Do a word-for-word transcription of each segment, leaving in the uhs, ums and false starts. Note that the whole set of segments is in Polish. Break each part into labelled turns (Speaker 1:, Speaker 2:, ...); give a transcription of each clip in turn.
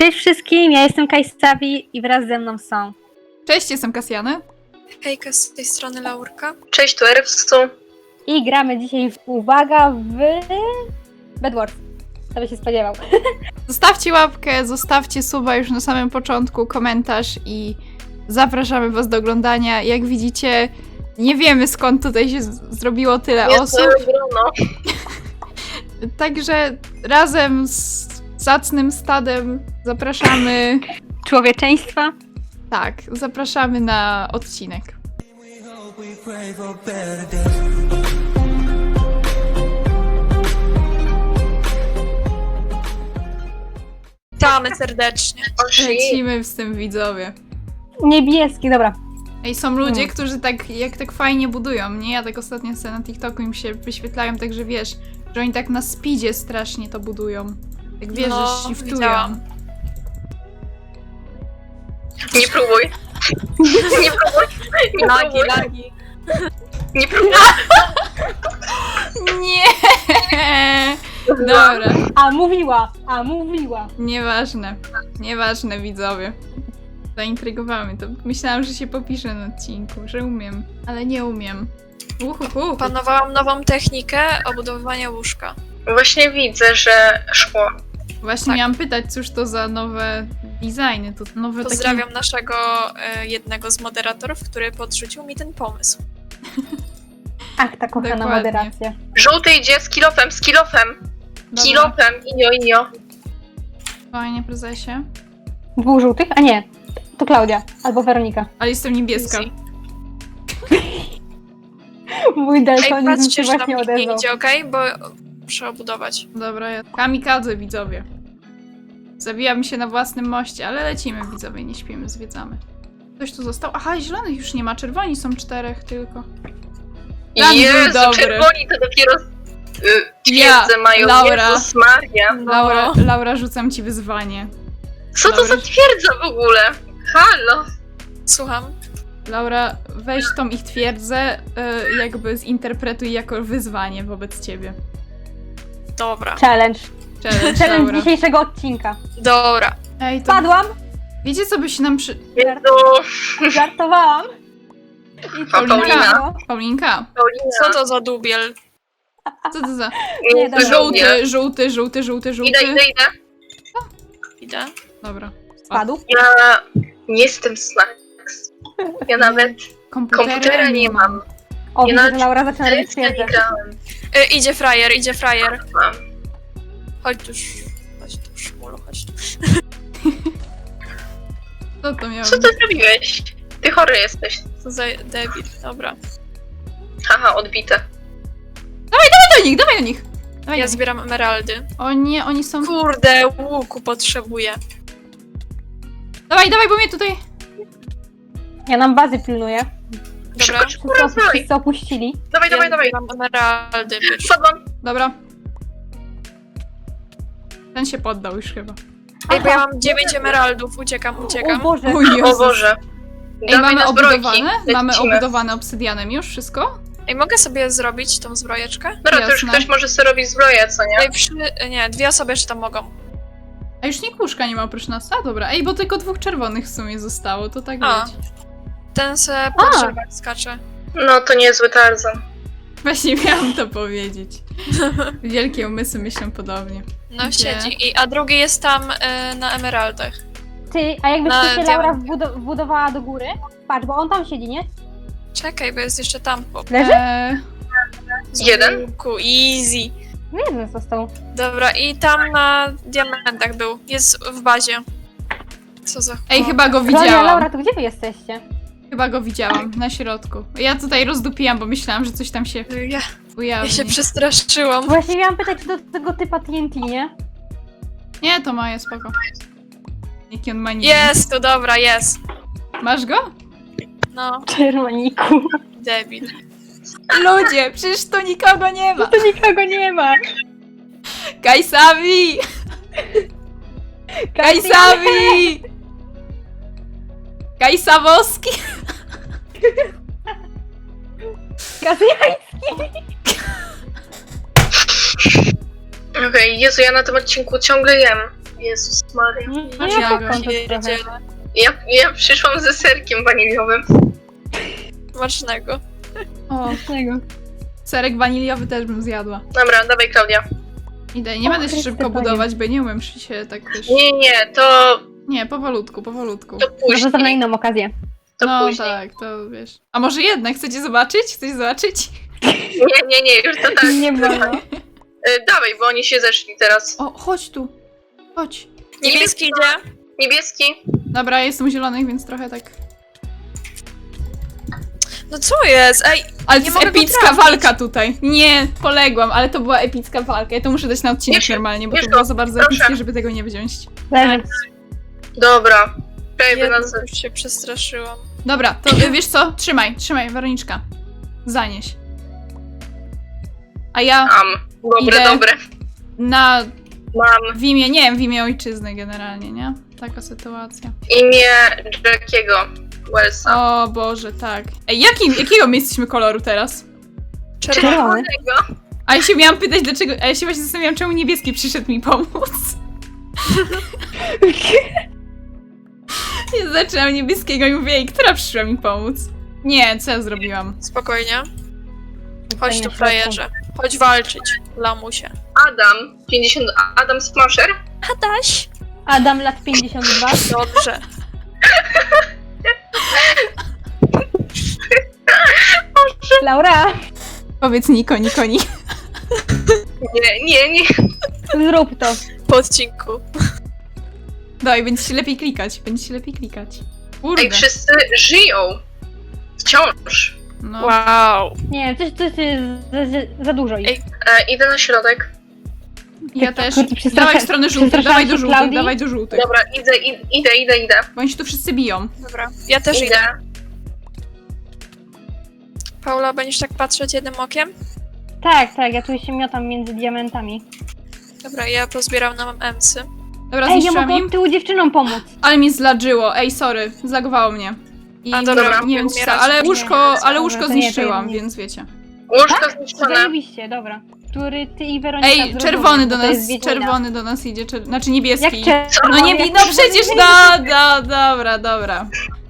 Speaker 1: Cześć wszystkim, ja jestem Kajsawi i wraz ze mną są.
Speaker 2: Cześć, jestem Kasjany.
Speaker 3: Hejka, z tej strony Laurka.
Speaker 4: Cześć, tu Erwsu.
Speaker 1: I gramy dzisiaj, w, uwaga, w Bedwars. Kto by się spodziewał.
Speaker 2: Zostawcie łapkę, zostawcie suba już na samym początku, komentarz i zapraszamy was do oglądania. Jak widzicie, nie wiemy skąd tutaj się z- zrobiło tyle
Speaker 4: Jest
Speaker 2: osób.
Speaker 4: grono.
Speaker 2: Także razem z zacnym stadem zapraszamy.
Speaker 1: Człowieczeństwa.
Speaker 2: Tak, zapraszamy na odcinek.
Speaker 3: Witamy serdecznie.
Speaker 2: Lecimy z tym, widzowie.
Speaker 1: Niebieski, dobra.
Speaker 2: Ej, są ludzie,
Speaker 1: Hmm.
Speaker 2: którzy tak, jak tak fajnie budują, nie? Ja tak ostatnio sobie na TikToku im się wyświetlają, także wiesz, że oni tak na speedzie strasznie to budują. Tak wiesz,
Speaker 3: No,
Speaker 2: że shiftują.
Speaker 3: widziałam.
Speaker 4: Nie próbuj. Nie próbuj. Nie
Speaker 3: Lagi,
Speaker 4: próbuj.
Speaker 3: lagi.
Speaker 4: Nie próbuj.
Speaker 2: Nie! Dobra,
Speaker 1: A mówiła, a mówiła.
Speaker 2: nieważne. Nieważne, widzowie. Zaintrygowałem to. Myślałam, że się popiszę na odcinku, że umiem, ale nie umiem. Uhuhu.
Speaker 3: Opanowałam nową technikę obudowywania łóżka.
Speaker 4: Właśnie widzę, że szło.
Speaker 2: Właśnie
Speaker 3: tak.
Speaker 2: miałam pytać, cóż to za nowe designy, to nowe
Speaker 3: Pozdrawiam
Speaker 2: takie...
Speaker 3: naszego e, jednego z moderatorów, który podrzucił mi ten pomysł.
Speaker 1: Ach, ta kochana
Speaker 2: Dokładnie.
Speaker 1: moderacja.
Speaker 4: Żółty idzie z kilofem, z kilofem.
Speaker 2: Dobra.
Speaker 4: Kilofem, inio, inio.
Speaker 2: Fajnie, prezesie.
Speaker 1: Dwóch żółtych? A nie, to Klaudia albo Weronika.
Speaker 2: Ale jestem niebieska.
Speaker 3: Easy.
Speaker 1: Mój
Speaker 3: Ej,
Speaker 1: daltonizm
Speaker 3: patrzcie,
Speaker 1: się
Speaker 3: że nam
Speaker 1: właśnie
Speaker 3: nikt nie
Speaker 1: odezwał.
Speaker 3: idzie, okej? Bo muszę obudować.
Speaker 2: Dobra, ja... Kamikadze, widzowie. Zabijam się na własnym moście, ale lecimy, widzowie, nie śpimy, zwiedzamy. Ktoś tu został? Aha, zielonych już nie ma, czerwoni są czterech tylko. Plan był
Speaker 4: Jezu,
Speaker 2: dobry.
Speaker 4: czerwoni to dopiero y,
Speaker 2: Ja,
Speaker 4: twierdzę mają.
Speaker 2: Laura.
Speaker 4: Jezus Maria.
Speaker 3: No.
Speaker 2: Laura, Laura, rzucam ci wyzwanie.
Speaker 4: Co to
Speaker 2: Laura.
Speaker 4: za twierdza w ogóle? Halo.
Speaker 3: Słucham.
Speaker 2: Laura, weź tą ich twierdzę, y, jakby zinterpretuj jako wyzwanie wobec ciebie.
Speaker 3: Dobra.
Speaker 1: Challenge.
Speaker 2: Challenge,
Speaker 1: Challenge
Speaker 2: Laura.
Speaker 1: dzisiejszego odcinka.
Speaker 3: Dobra.
Speaker 2: Ej, to...
Speaker 1: Padłam,
Speaker 2: Wiecie, co by się nam przy...
Speaker 4: Jezu.
Speaker 1: żartowałam. I
Speaker 4: A Paulina?
Speaker 1: było.
Speaker 2: Paulinka,
Speaker 4: Paulina.
Speaker 3: Co to za dubiel?
Speaker 2: co to za...
Speaker 1: Nie, dobra.
Speaker 2: Żółty, żółty, żółty, żółty, żółty.
Speaker 4: Idę, idę, idę.
Speaker 3: Idę.
Speaker 2: Dobra.
Speaker 1: Spadł.
Speaker 4: Ja nie jestem snacks. Ja nawet
Speaker 2: Komputera,
Speaker 4: komputera nie mam.
Speaker 1: O,
Speaker 4: Ja
Speaker 1: widzę, że
Speaker 4: nawet
Speaker 1: Laura zaczyna robić
Speaker 4: Ja nie
Speaker 1: twierdzę.
Speaker 4: grałem.
Speaker 3: E, idzie frajer, idzie frajer.
Speaker 4: Mam.
Speaker 3: Chodź tu, sz- chodź tu, szmulu, chodź tu.
Speaker 2: Co to miało
Speaker 4: Co ty zrobiłeś? Ty chory jesteś.
Speaker 3: Co za debil. Dobra.
Speaker 4: Haha, odbite.
Speaker 2: Dawaj do nich, dawaj do nich! Dawaj
Speaker 3: Ja
Speaker 2: do nich.
Speaker 3: zbieram emeraldy.
Speaker 2: O nie, oni są...
Speaker 3: Kurde, łuku potrzebuję.
Speaker 2: Dawaj, dawaj, bo mnie tutaj...
Speaker 1: Ja nam bazy pilnuję.
Speaker 3: Dobra.
Speaker 4: Szybko, szybko,
Speaker 1: Wszyscy, opu-
Speaker 4: rozwalaj.
Speaker 1: wszyscy opuścili.
Speaker 4: Dawaj,
Speaker 3: Ja
Speaker 4: dawaj, dawaj.
Speaker 3: zbieram emeraldy. wiesz.
Speaker 4: Wpadłam.
Speaker 2: Dobra. Ten się poddał już chyba.
Speaker 3: Ej, bo ja mam dziewięć emeraldów. Uciekam,
Speaker 1: O
Speaker 3: uciekam.
Speaker 1: Boże.
Speaker 2: O Jezus.
Speaker 4: O Boże.
Speaker 2: Ej,
Speaker 4: Dawaj
Speaker 2: mamy
Speaker 4: na zbrojki.
Speaker 2: obudowane? Mamy
Speaker 4: Lecimy.
Speaker 2: obudowane obsydianem już wszystko?
Speaker 3: Ej, mogę sobie zrobić tą zbrojeczkę?
Speaker 4: Dobra, to już
Speaker 2: Jasne.
Speaker 4: ktoś może sobie robić zbroję, co nie?
Speaker 3: Ej, przy... Nie, dwie osoby jeszcze tam mogą.
Speaker 2: A już nikt łóżka nie ma oprócz nas? A dobra, ej, bo tylko dwóch czerwonych w sumie zostało, to tak
Speaker 3: A.
Speaker 2: być.
Speaker 3: Ten se po
Speaker 1: A.
Speaker 3: drzewach skacze.
Speaker 4: No to niezły Tarzan.
Speaker 2: Właśnie miałam to powiedzieć. Wielkie umysły myślą podobnie.
Speaker 3: No
Speaker 2: Gdzie?
Speaker 3: siedzi. I, a drugi jest tam e, na emeraldach.
Speaker 1: Ty, a jakbyś
Speaker 3: Na
Speaker 1: ty się Laura
Speaker 3: diament.
Speaker 1: wbudo- wbudowała do góry? Patrz, bo on tam siedzi, nie?
Speaker 3: Czekaj, bo jest jeszcze tam chłop.
Speaker 1: Leży?
Speaker 2: Eee,
Speaker 3: Z
Speaker 4: Jeden?
Speaker 3: łuku, easy.
Speaker 1: No jeden został.
Speaker 3: Dobra, i tam na diamentach był. Jest w bazie. Co za
Speaker 2: ej,
Speaker 3: chłop.
Speaker 2: chyba go
Speaker 1: Klaudia,
Speaker 2: widziałam.
Speaker 1: Laura, to gdzie wy jesteście?
Speaker 2: Chyba go widziałam, na środku. Ja tutaj rozdupiłam, bo myślałam, że coś tam się
Speaker 3: Ja, ja
Speaker 2: ujawni.
Speaker 3: się przestraszyłam.
Speaker 1: Właśnie miałam pytać, czy do tego typa T N T, nie?
Speaker 2: Nie, to moje, spoko. Jaki on ma nick.
Speaker 3: Jest, to dobra, jest.
Speaker 2: Masz go?
Speaker 3: No,
Speaker 1: Czerwoniku.
Speaker 3: debil.
Speaker 2: Ludzie, przecież tu nikogo nie ma.
Speaker 1: Tu nikogo nie ma.
Speaker 2: Kajsawi! Kajsawi! Kajsawowski!
Speaker 1: Kasjański.
Speaker 4: Okej, Jezu, ja na tym odcinku ciągle jem. Jezus Maria.
Speaker 1: No
Speaker 2: Ja
Speaker 1: ja
Speaker 2: go
Speaker 1: popcorn to trochę.
Speaker 3: Pierdziele.
Speaker 4: Ja, ja przyszłam ze serkiem waniliowym.
Speaker 3: Smacznego.
Speaker 2: O,
Speaker 1: Tego.
Speaker 2: serek waniliowy też bym zjadła.
Speaker 4: Dobra, dawaj Klaudia.
Speaker 2: Idę, nie
Speaker 1: O,
Speaker 2: będę się
Speaker 1: Chryste,
Speaker 2: szybko
Speaker 1: Panie.
Speaker 2: budować, bo nie umiem się tak też...
Speaker 4: Nie, nie, to,
Speaker 2: Nie, powolutku, powolutku.
Speaker 4: to
Speaker 1: Może zostaw na
Speaker 4: później.
Speaker 1: inną okazję.
Speaker 4: To
Speaker 2: No
Speaker 4: później.
Speaker 2: tak, to wiesz. A może jednak, chcecie zobaczyć? Chcecie zobaczyć?
Speaker 4: Nie, nie, nie, już to tak.
Speaker 1: Nie wolno.
Speaker 4: Y, dawaj, bo oni się zeszli teraz.
Speaker 2: O, chodź tu. Chodź.
Speaker 3: Niebieski idzie.
Speaker 4: Niebieski.
Speaker 2: Dobra, ja jestem u zielonych, więc trochę tak...
Speaker 3: No co jest? Ej,
Speaker 2: Ale
Speaker 3: Nie
Speaker 2: to jest
Speaker 3: mogę go
Speaker 2: epicka
Speaker 3: trafić.
Speaker 2: walka tutaj. Nie, poległam, ale to była epicka walka. Ja to muszę dać na odcinek
Speaker 4: Bierz-
Speaker 2: normalnie, bo
Speaker 4: bierz
Speaker 2: to
Speaker 4: go,
Speaker 2: było za bardzo
Speaker 4: proszę.
Speaker 2: epickie, żeby tego nie wziąć.
Speaker 1: Leży.
Speaker 4: Dobra. Czekaj,
Speaker 3: jedno,
Speaker 4: nas...
Speaker 3: już się przestraszyłam.
Speaker 2: Dobra, to y, wiesz co? Trzymaj, trzymaj, Weroniczka. Zanieś. A ja
Speaker 4: Am. Dobre,
Speaker 2: Idę.
Speaker 4: dobre.
Speaker 2: na...
Speaker 4: Mam
Speaker 2: w imię, nie wiem, w imię ojczyzny generalnie, nie? Taka sytuacja.
Speaker 4: imię Jackiego Wellsa.
Speaker 2: O Boże, tak. Ej, jakim, jakiego my jesteśmy koloru teraz?
Speaker 3: Czerwony.
Speaker 1: Czerwony.
Speaker 4: Czerwonego.
Speaker 2: A ja się miałam pytać, dlaczego... A ja się właśnie zastanawiałam, czemu niebieski przyszedł mi pomóc. Ja zaczęłam niebieskiego i mówię, ej, która przyszła mi pomóc? Nie, co ja zrobiłam?
Speaker 3: Spokojnie. Chodź
Speaker 1: Tutaj
Speaker 3: tu,
Speaker 1: na
Speaker 3: frajerze. Chodź walczyć, lamusie.
Speaker 4: Adam. pięćdziesiąt... Adam Smasher.
Speaker 3: Adaś.
Speaker 1: Adam, lat pięćdziesiąt dwa.
Speaker 3: Dobrze.
Speaker 1: Laura,
Speaker 2: Powiedz Niko, Niko, Niko.
Speaker 4: Nie, nie, nie.
Speaker 1: zrób to.
Speaker 3: Po odcinku.
Speaker 2: Daj, będzie się lepiej klikać, będzie się lepiej klikać. Kurde.
Speaker 4: Ej, wszyscy żyją. Wciąż.
Speaker 2: No.
Speaker 3: Wow.
Speaker 1: Nie, coś, coś jest za, za, za dużo ich.
Speaker 3: Ej,
Speaker 4: E, idę na środek.
Speaker 2: Ja
Speaker 1: Tak,
Speaker 2: też.
Speaker 1: kurde, przestrasza-
Speaker 2: Dawaj w stronę żółtych,
Speaker 1: przestraszałam
Speaker 2: dawaj do
Speaker 1: się
Speaker 2: żółtych,
Speaker 1: Klaudii.
Speaker 2: dawaj do żółtych.
Speaker 4: Dobra, idę, id- idę, idę, idę.
Speaker 2: Bo oni się tu wszyscy biją.
Speaker 3: dobra. Ja też idę.
Speaker 4: Idę.
Speaker 3: Paula, będziesz tak patrzeć jednym okiem?
Speaker 1: Tak, tak, ja tu się miotam między diamentami.
Speaker 3: Dobra, ja pozbieram nam emsy.
Speaker 2: Dobra,
Speaker 1: Ej, ja
Speaker 2: zniszczyłam
Speaker 1: mogę
Speaker 2: im.
Speaker 1: od tyłu dziewczynom pomóc.
Speaker 2: Ale mi zladżyło. Ej, sorry, zlagowało mnie. I
Speaker 3: A, dobra,
Speaker 2: nie wiem,
Speaker 3: umierać.
Speaker 2: co, ale
Speaker 3: Nie,
Speaker 2: łóżko,
Speaker 3: nie,
Speaker 2: ale
Speaker 1: dobra,
Speaker 2: łóżko
Speaker 1: to nie, to
Speaker 2: zniszczyłam,
Speaker 1: nie.
Speaker 2: więc wiecie.
Speaker 4: Łóżko zniszczone.
Speaker 1: Zajebiście, dobra. Który ty i Weronika
Speaker 2: Ej,
Speaker 1: zrozumie,
Speaker 2: czerwony do
Speaker 1: bo to
Speaker 2: nas,
Speaker 1: jest Wiedźmina.
Speaker 2: czerwony do nas idzie, czer... znaczy
Speaker 1: Jak
Speaker 2: niebieski.
Speaker 1: czerwony?
Speaker 2: No nie,
Speaker 1: jak
Speaker 2: no przecież,
Speaker 1: czerwony?
Speaker 2: no, no, dobra, dobra.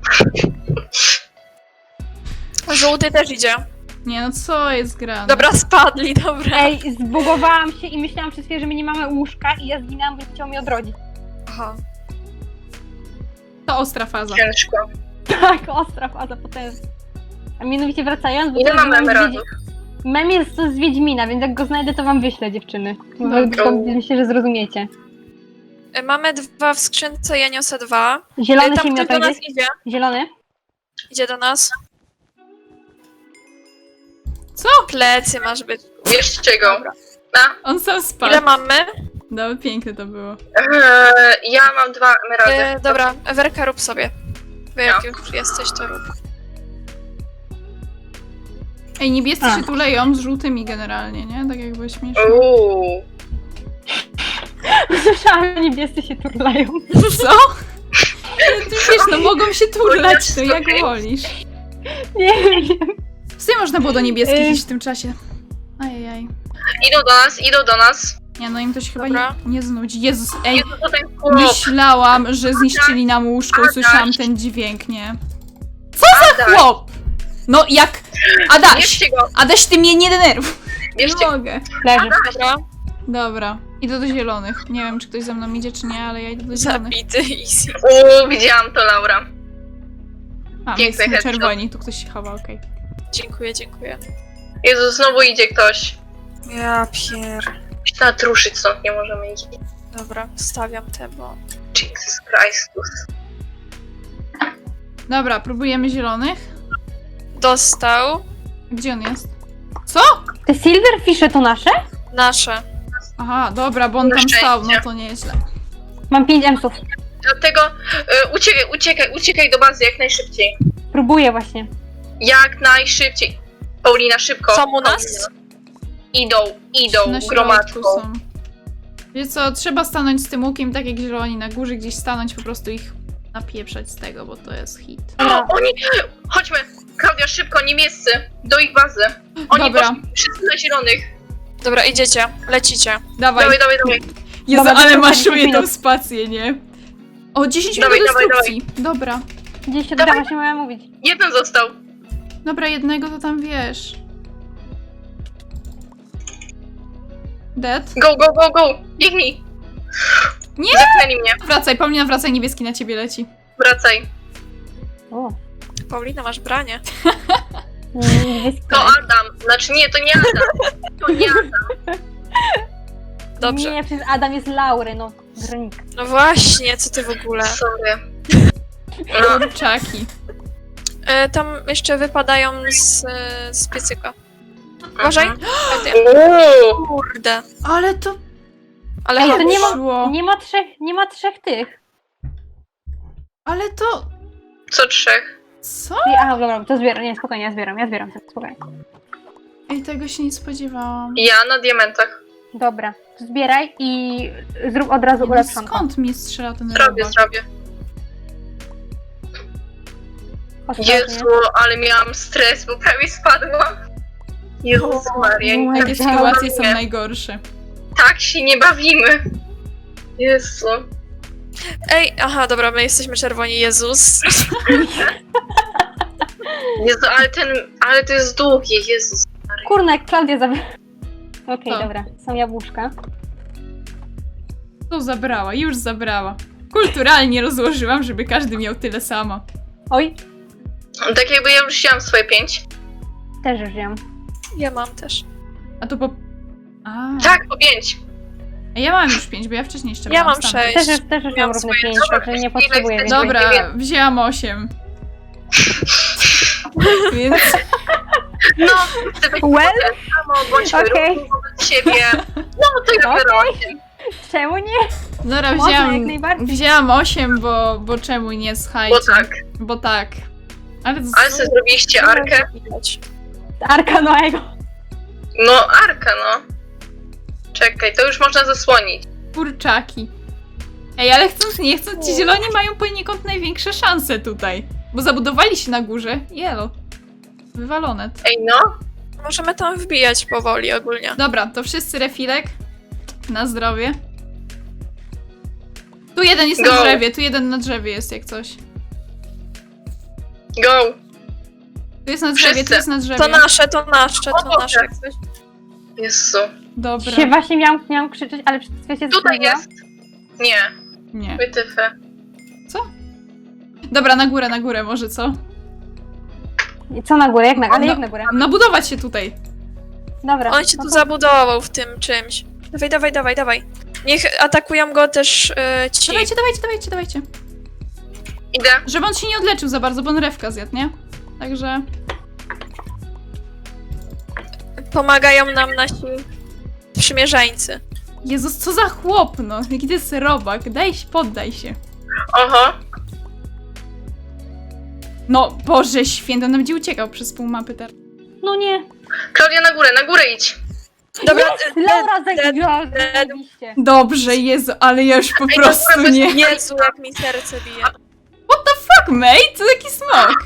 Speaker 3: Żółty też idzie.
Speaker 2: Nie, no co jest grane?
Speaker 3: Dobra, spadli, dobra.
Speaker 1: Ej, zbugowałam się i myślałam przez chwilę, że my nie mamy łóżka i ja zginęłam, bo chciał mnie odrodzić.
Speaker 3: Aha.
Speaker 2: To ostra faza.
Speaker 4: Ciężko.
Speaker 1: Tak, ostra faza potężna. A mianowicie wracając, bo
Speaker 4: Ile
Speaker 1: to
Speaker 4: mamy
Speaker 1: mem z
Speaker 4: emeraldów?
Speaker 1: Wiedź- Mem jest to z Wiedźmina, więc jak go znajdę, to wam wyślę, dziewczyny. Bo
Speaker 2: Dobra.
Speaker 1: to myślę, że zrozumiecie.
Speaker 3: E, Mamy dwa w skrzynce, ja niosę dwa. E,
Speaker 1: Zielony
Speaker 3: Tam
Speaker 1: się
Speaker 3: ktoś do
Speaker 1: miota
Speaker 3: nas
Speaker 1: gdzieś?
Speaker 3: idzie.
Speaker 1: Zielony?
Speaker 3: Idzie do nas.
Speaker 2: Co?
Speaker 3: Plecy masz być.
Speaker 4: Bierzcie go.
Speaker 3: Dobra.
Speaker 4: A,
Speaker 2: On sam spadł.
Speaker 3: Ile mamy?
Speaker 2: No, piękne to było.
Speaker 4: e, ja mam dwa emeraldy.
Speaker 3: E, dobra, Werka rób sobie. Bo jak już jesteś, to rób.
Speaker 2: Ej, niebiescy
Speaker 1: A.
Speaker 2: się tu leją z żółtymi generalnie, nie? Tak jakby śmiesznie.
Speaker 4: Uuu.
Speaker 1: Słyszałam, że niebiescy się turlają.
Speaker 2: Co? Ale ty wiesz, no mogą się turlać, no jak
Speaker 4: Okej.
Speaker 2: wolisz.
Speaker 1: Nie wiem.
Speaker 2: W sumie można było do niebieskich
Speaker 1: Ej.
Speaker 2: iść w tym czasie. Ajajaj.
Speaker 4: Idą do nas, idą do nas.
Speaker 2: Nie, no im to się chyba
Speaker 3: Dobra.
Speaker 2: nie, nie znudzi. Jezus, ej,
Speaker 4: Jezu, to ten chłop.
Speaker 2: myślałam, że zniszczyli nam łóżko,
Speaker 4: Adaś.
Speaker 2: usłyszałam ten dźwięk, nie?
Speaker 4: Adaś.
Speaker 2: Chłop! No jak... Adaś!
Speaker 4: Bierzcie go,
Speaker 2: Adaś, ty mnie nie denerwuj. Nie
Speaker 4: bierzcie go.
Speaker 2: mogę.
Speaker 1: Leży.
Speaker 3: Dobra,
Speaker 2: Dobra, idę do zielonych. Nie wiem, czy ktoś za mną idzie, czy nie, ale ja idę do zielonych.
Speaker 3: zabity, easy.
Speaker 4: Uuu, widziałam to, Laura.
Speaker 2: A, my
Speaker 4: Piękny
Speaker 2: jesteśmy
Speaker 4: headshot.
Speaker 2: czerwoni, tu ktoś się chowa, okej.
Speaker 3: Dziękuję, dziękuję.
Speaker 4: Jezu, znowu idzie ktoś.
Speaker 3: Ja pier...
Speaker 4: Natruszyć stąd nie możemy iść.
Speaker 3: Dobra, stawiam te, bo...
Speaker 4: Jesus Christus.
Speaker 2: Dobra, próbujemy zielonych.
Speaker 3: Dostał.
Speaker 2: Gdzie on jest? Co?
Speaker 1: Te silverfishy to nasze?
Speaker 3: Nasze.
Speaker 2: Aha, dobra, bo on
Speaker 4: Na
Speaker 2: tam stał, no
Speaker 4: szczęście.
Speaker 2: to nieźle.
Speaker 1: Mam pięć emsów.
Speaker 4: Dlatego y, uciekaj, uciekaj, uciekaj do bazy jak najszybciej.
Speaker 1: Próbuję właśnie.
Speaker 4: Jak najszybciej. Paulina, szybko.
Speaker 3: Są u nas?
Speaker 4: Paulina. Idą, idą,
Speaker 2: Na środku
Speaker 4: gromadką.
Speaker 2: są. Wiecie co, trzeba stanąć z tym łukiem, tak jak zieloni, na górze gdzieś stanąć, po prostu ich napieprzać z tego, bo to jest hit.
Speaker 4: O, oni... Chodźmy, Klaudia, szybko, niemieccy. Do ich bazy. Oni
Speaker 2: Dobra.
Speaker 4: poszli wszyscy na zielonych.
Speaker 3: Dobra, idziecie, lecicie.
Speaker 2: Dawaj,
Speaker 4: Dawaj, dawaj, dawaj.
Speaker 2: Jezu,
Speaker 1: Dobra,
Speaker 2: ale
Speaker 1: to
Speaker 2: maszuję
Speaker 1: dziesięć
Speaker 2: tą
Speaker 1: minut.
Speaker 2: spację, nie? O, dziesięć minut
Speaker 4: Dawaj, dawaj,
Speaker 2: destrukcji. Dobra.
Speaker 1: Gdzieś się
Speaker 4: Dawaj.
Speaker 1: doda, właśnie miałam mówić.
Speaker 4: Jeden został.
Speaker 2: Dobra, jednego to tam wiesz. Dead?
Speaker 4: Go, go, go, go! Biegnij!
Speaker 2: Nie!
Speaker 4: Zepchnęli mnie.
Speaker 2: Wracaj, Paulina, wracaj, niebieski na ciebie leci.
Speaker 4: Wracaj.
Speaker 1: O,
Speaker 3: Paulina, masz branie.
Speaker 1: niebieski.
Speaker 4: To Adam. Znaczy nie, to nie Adam. To nie Adam.
Speaker 3: Dobrze.
Speaker 1: Nie, przecież Adam jest Laury, no. Gronik.
Speaker 3: No właśnie, co ty w ogóle?
Speaker 4: Sorry. No,
Speaker 2: Kurczaki.
Speaker 3: E, tam jeszcze wypadają z, e, z piecyka. Uważaj.
Speaker 4: Mhm.
Speaker 3: Ty.
Speaker 4: Uuu.
Speaker 3: Kurde.
Speaker 2: Ale to
Speaker 3: Ale
Speaker 1: Ej, to
Speaker 3: chodź.
Speaker 1: nie ma,
Speaker 2: szło.
Speaker 1: nie ma trzech, nie ma trzech tych.
Speaker 2: Ale to...
Speaker 4: Co trzech?
Speaker 2: Co?
Speaker 1: I- Aha, dobra, to zbieram, nie, spokojnie, ja zbieram, ja zbieram, sobie, spokojnie.
Speaker 2: Ej, tego się nie spodziewałam.
Speaker 4: Ja na diamentach.
Speaker 1: Dobra, to zbieraj i zrób od razu
Speaker 2: No
Speaker 1: ulepszonko.
Speaker 2: skąd mi strzela ten
Speaker 4: Zrobię,
Speaker 2: robak?
Speaker 4: zrobię.
Speaker 1: Ostrożnie.
Speaker 4: Jezu, ale miałam stres, bo prawie spadłam. Jezus Maria.
Speaker 1: O,
Speaker 4: tak
Speaker 2: Takie
Speaker 4: się
Speaker 2: sytuacje są
Speaker 4: nie-
Speaker 2: najgorsze.
Speaker 4: Tak się nie bawimy. Jezu.
Speaker 3: Ej, aha, dobra, my jesteśmy czerwoni, Jezus.
Speaker 4: Jezu, ale ten, ale to jest długie, Jezus.
Speaker 1: Kurna, jak Klaudia zabiera. Okej,
Speaker 2: Co?
Speaker 1: dobra, są jabłuszka.
Speaker 2: To zabrała, już zabrała. Kulturalnie rozłożyłam, żeby każdy miał tyle samo.
Speaker 1: Oj,
Speaker 4: Tak jakby ja już wzięłam swoje pięć.
Speaker 1: też już wziąłem.
Speaker 3: Ja mam też.
Speaker 2: A to po... A,
Speaker 4: Tak, po pięć.
Speaker 2: A ja mam już pięć, bo ja wcześniej jeszcze
Speaker 3: Ja
Speaker 2: brałam
Speaker 3: mam
Speaker 2: stamtąd.
Speaker 3: sześć.
Speaker 1: Też już, też już mam
Speaker 4: Miałam
Speaker 1: równe
Speaker 4: swoje-
Speaker 1: pięć,
Speaker 4: dobra,
Speaker 1: także nie
Speaker 4: chwilę,
Speaker 1: potrzebuję
Speaker 4: chwilę.
Speaker 1: więcej.
Speaker 2: Dobra,
Speaker 4: Nie wiem.
Speaker 2: wzięłam osiem. Więc
Speaker 4: No, chcę być
Speaker 1: Well,
Speaker 4: samo, bądźmy
Speaker 1: okej.
Speaker 4: równi wobec siebie. No, to ja biorę osiem.
Speaker 1: Czemu nie?
Speaker 2: dobra,
Speaker 1: Można, jak
Speaker 2: wzięłam,
Speaker 1: najbardziej.
Speaker 2: wzięłam osiem, bo, bo czemu nie, słuchajcie.
Speaker 4: Bo tak.
Speaker 2: Bo tak. Ale to
Speaker 4: Ale sobie zrobiliście arkę?
Speaker 3: Widać.
Speaker 1: Arka Noego.
Speaker 4: No, arka, no. Czekaj, to już można zasłonić.
Speaker 2: kurczaki. Ej, ale chcąc nie chcąc, ci zieloni mają poniekąd największe szanse tutaj. Bo zabudowali się na górze. Jelo. Wywalone.
Speaker 4: Ej, no.
Speaker 3: Możemy tam wbijać powoli ogólnie.
Speaker 2: Dobra, to wszyscy refilek. Na zdrowie. Tu jeden jest na
Speaker 4: Go.
Speaker 2: drzewie, tu jeden na drzewie jest jak coś.
Speaker 4: Go.
Speaker 2: Tu jest na drzewie,
Speaker 4: Wszyscy.
Speaker 2: tu jest na drzewie.
Speaker 3: To nasze, to nasze,
Speaker 4: O
Speaker 3: to
Speaker 4: Boże.
Speaker 3: nasze. jak coś.
Speaker 4: Jezu.
Speaker 2: Dobra.
Speaker 1: Się właśnie miałam, miałam krzyczeć, ale przez chwilę się
Speaker 4: Tutaj
Speaker 1: zastanowiłam.
Speaker 4: jest. Nie,
Speaker 2: Nie.
Speaker 4: wytyfy.
Speaker 2: Co? Dobra, na górę, na górę może, co?
Speaker 1: I co na górę? Jak na, ale
Speaker 2: No.
Speaker 1: jak na górę?
Speaker 2: Nabudować się tutaj.
Speaker 1: Dobra.
Speaker 3: On się
Speaker 1: no
Speaker 3: tu
Speaker 1: to-
Speaker 3: zabudował w tym czymś. Dawaj, dawaj, dawaj, dawaj. Niech atakują go też e, ci.
Speaker 2: Dawajcie, dawajcie, dawajcie, dawajcie.
Speaker 4: Idę.
Speaker 2: Żeby on się nie odleczył za bardzo, bo on rewka zjadł, nie? Także...
Speaker 3: Pomagają nam nasi przymierzeńcy.
Speaker 2: Jezus, co za chłop, no. Jaki to jest robak. Daj się, poddaj się.
Speaker 4: Oho.
Speaker 2: No, Boże święty, on nam będzie uciekał przez pół mapy teraz.
Speaker 1: No nie.
Speaker 4: Klaudia, na górę, na górę idź.
Speaker 3: Dobra, e,
Speaker 1: Laura
Speaker 3: dead,
Speaker 1: zagięła,
Speaker 3: dead.
Speaker 1: zajebiście.
Speaker 2: Dobrze, Jezu, ale ja już po
Speaker 4: Ej,
Speaker 2: prostu
Speaker 4: dobra,
Speaker 2: nie...
Speaker 4: bez-
Speaker 3: Jezu, jak mi serce bije.
Speaker 2: Fuck, mate, to taki smok.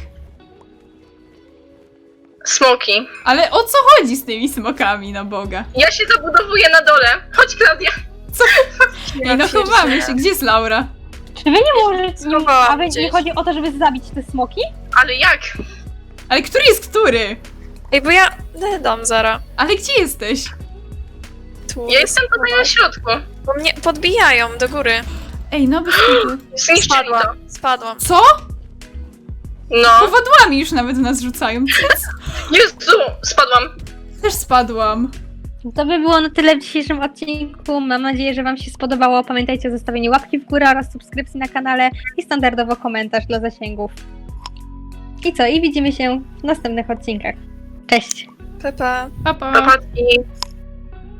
Speaker 4: Smoki.
Speaker 2: Ale o co chodzi z tymi smokami, na Boga?
Speaker 4: Ja się zabudowuję na dole. Chodź, Klaudia.
Speaker 2: Ej, no chowamy się. Gdzie jest Laura?
Speaker 1: Czy wy nie możecie, nie,
Speaker 3: Schowałam
Speaker 1: a wy nie
Speaker 3: gdzieś.
Speaker 1: chodzi o to, żeby zabić te smoki?
Speaker 4: Ale jak?
Speaker 2: Ale który jest który?
Speaker 3: Ej, bo ja dam zara.
Speaker 2: Ale gdzie jesteś?
Speaker 3: Tu
Speaker 4: Ja jestem tutaj na środku.
Speaker 3: Bo mnie podbijają do góry.
Speaker 2: Ej, no bez kitu.
Speaker 4: Zniszczyli to.
Speaker 3: Spadłam, spadłam.
Speaker 2: Co?
Speaker 4: No.
Speaker 2: Powadłami już nawet nas rzucają.
Speaker 4: Jezu, spadłam.
Speaker 2: Też spadłam.
Speaker 1: To by było na tyle w dzisiejszym odcinku. Mam nadzieję, że wam się spodobało. Pamiętajcie o zostawieniu łapki w górę oraz subskrypcji na kanale i standardowo komentarz dla zasięgów. I co? I widzimy się w następnych odcinkach. Cześć!
Speaker 3: Pepe.
Speaker 2: Pa, pa.
Speaker 4: Popatrz i